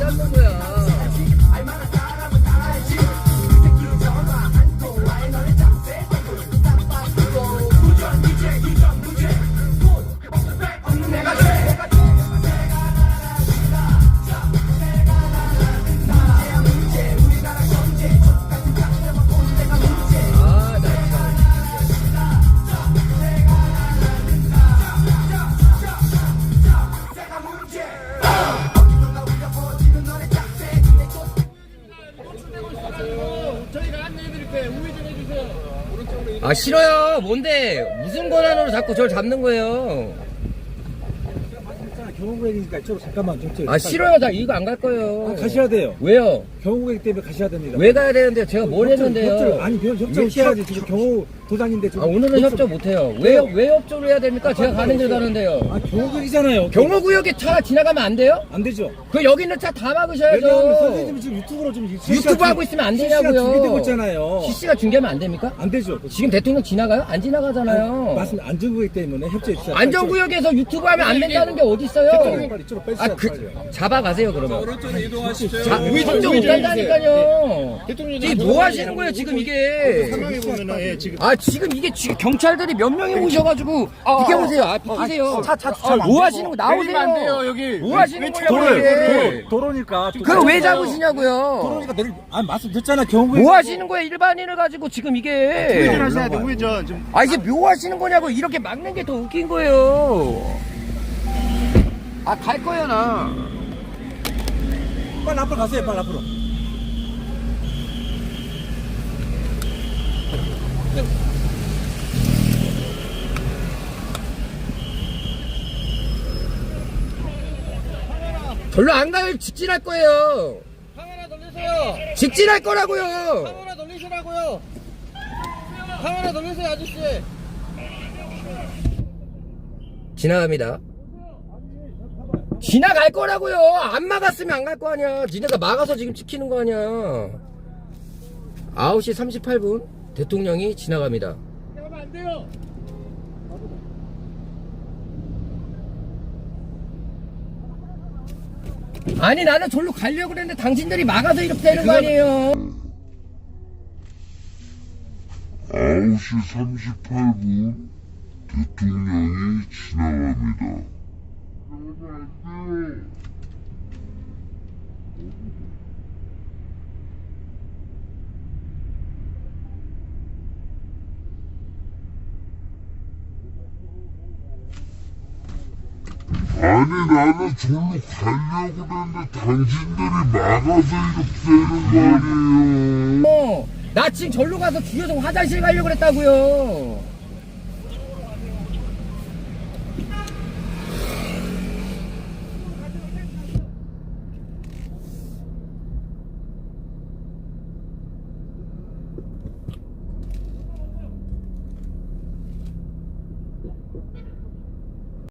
잡는 거야? 아 싫어요. 뭔데 무슨 권한으로 자꾸 저를 잡는 거예요? 경호구역이니까 이쪽으로 잠깐만 좀. 아 싫어요. 나 이거 안 갈 거예요. 아, 가셔야 돼요. 왜요? 경호구역 때문에 가셔야 됩니다. 왜 가야 되는데 제가 뭘 했는데요? 아니 협조해야지. 지금 경호 도장인데 지금. 아 오늘은 협조 못 해요. 왜 협조를 해야 됩니까? 제가 가는 길 가는데요. 아 경호구역이잖아요. 경호구역에 차 지나가면 안 돼요? 안 되죠. 그 여기 있는 차 다 왜냐하면 막으셔야죠. 선생님이 지금 유튜브로 좀 유튜브 하고 있으면 안 되냐고요. 실시간 중계되고 있잖아요. CC가 중계하면 안 됩니까? 안 되죠. 지금 대통령 지나가요? 안 지나가잖아요. 맞습니다. 안전구역 때문에 협조해 주셔야. 안전구역에서 유튜브 하면 안 된다는 게 어디 있어요? 빨리 이쪽으로 빼주세요. 아, 잡아가세요, 그러면. 오른쪽으로 이동하시죠. 협조 못 한다니까요. 지금 뭐 하시는 거예요, 지금 이게? 상황에 보면은 지금 아, 지금 이게 경찰들이 몇 명이 오셔가지고, 비켜보세요. 아, 비키세요. 뭐 하시는 거, 나오세요. 안 돼요, 여기. 뭐 하시는 거냐고, 이게. 도로니까. 그거 왜 잡으시냐고요? 도로니까 내릴. 아 말씀드렸잖아 경호구역. 뭐 하시는 거예요, 일반인을 가지고 지금 이게. 우회전하셔야 돼, 우회전. 좀. 아, 이게 뭐 하시는 거냐고, 이렇게 막는 게 더 웃긴 거예요. 아, 갈 거야, 나. 빨리 앞으로 가세요. 빨리 앞으로. 별로 안 가요. 직진할 거예요. 카메라 돌리세요. 직진할 거라고요. 카메라 돌리시라고요. 카메라 돌리세요, 아저씨. 지나갑니다. 지나갈 거라고요. 안 막았으면 안 갈 거 아니야. 니네가 막아서 지금 지키는 거 아니야. 9시 38분 대통령이 지나갑니다. 지나가면 안 돼요. 아니 나는 절로 가려고 그랬는데 당신들이 막아서 이렇게 되는 거 아니에요. 9시 38분 대통령이 지나갑니다. 아니 나는 절로 가려고 그랬는데 당신들이 막아서 이렇게 되는 거 아니에요. 나 지금 절로 가서 주여성 화장실 가려고 그랬다고요.